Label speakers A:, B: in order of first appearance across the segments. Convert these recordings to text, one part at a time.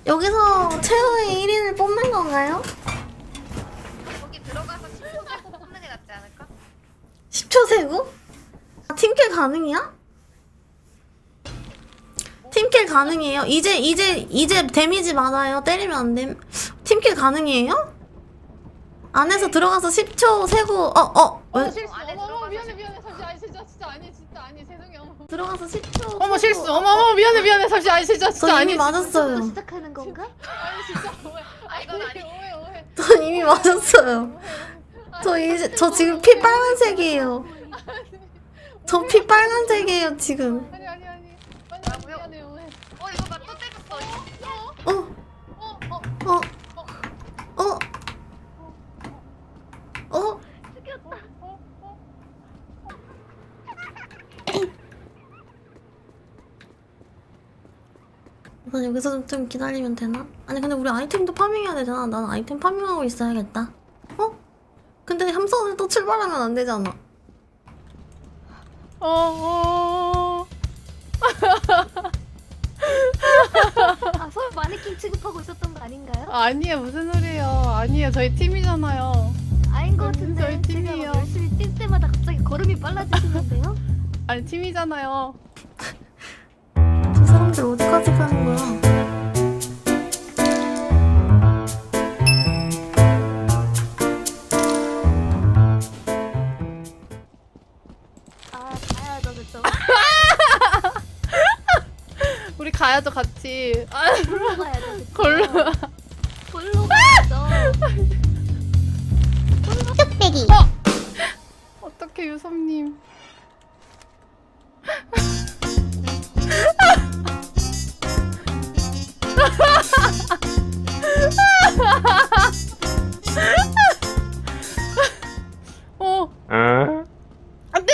A: 여기서 최후의 1인을 뽑는 건가요?
B: 거기 들어가서 10초 세고 뽑는 게 낫지 않을까?
A: 10초 세고? 아, 팀킬 가능이야? 팀킬 가능해요? 이제 데미지 많아요. 때리면 안 됨. 팀킬 가능해요? 안에서 들어가서 10초 세고
C: 실수.
B: 안에
C: 어머
B: 들어가서
C: 미안해 잠시 아니 진짜 아니 진짜 아니 죄송해요.
A: 들어가서 10초
C: 어머
A: 세고.
C: 실수. 어머 미안해 잠시 아니 진짜
A: 저 이미
C: 아니
A: 맞았어요.
D: 시작하는 건가?
C: 아니 진짜 오해.
B: 아, 이건 아니.
C: 오해.
A: 저 이미 맞았어요. 저 지금 피 빨간색이에요. 저 피 빨간색이에요 지금.
C: 아니
B: 뭐라고요?
C: 미안해 오해.
B: 이거 나 또 때렸어.
A: 어? 우선 여기서 좀 기다리면 되나? 아니 근데 우리 아이템도 파밍해야 되잖아. 난 아이템 파밍하고 있어야겠다. 근데 함선을 또 출발하면 안 되잖아.
D: 서로 마네킹 취급하고 있었던 거 아닌가요?
C: 아니에요 무슨 소리예요. 아니에요 저희 팀이잖아요.
D: 아닌 것 같은데
C: 저희
D: 제가
C: 팀이에요.
D: 막 열심히 뛸 때마다 갑자기 걸음이 빨라지시는데요?
C: 아니 팀이잖아요.
A: 저 사람들 어디까지 가는 거야?
D: 가야죠 그쵸?
C: 우리 가야죠 같이.
D: 골로 가야죠 그쵸?
C: 걸로.
D: 골로 가야죠.
A: 뚝배기.
C: 어떻게 유섭님. 안돼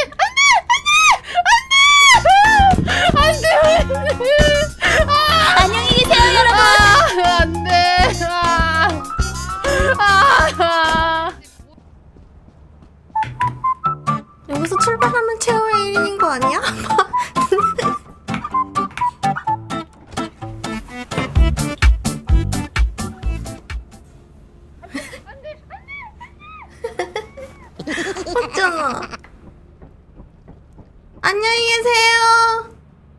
D: 안녕히 계세요 여러분.
C: 안돼.
A: 여기서 출발하면 최후의 1인인 거 아니야? 맞잖아. 안녕히 계세요.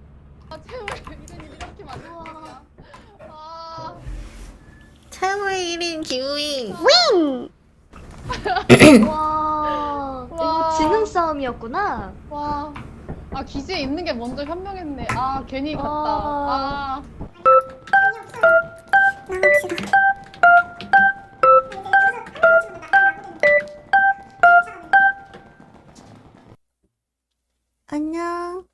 C: 이렇게 만들었구나.
A: 최후의 1인 기우잉.
D: 와 이거
C: 와.
D: 지능 싸움이었구나.
C: 와. 기지에 있는 게 먼저 현명했네. 괜히 갔다.
D: 아.
A: 안녕.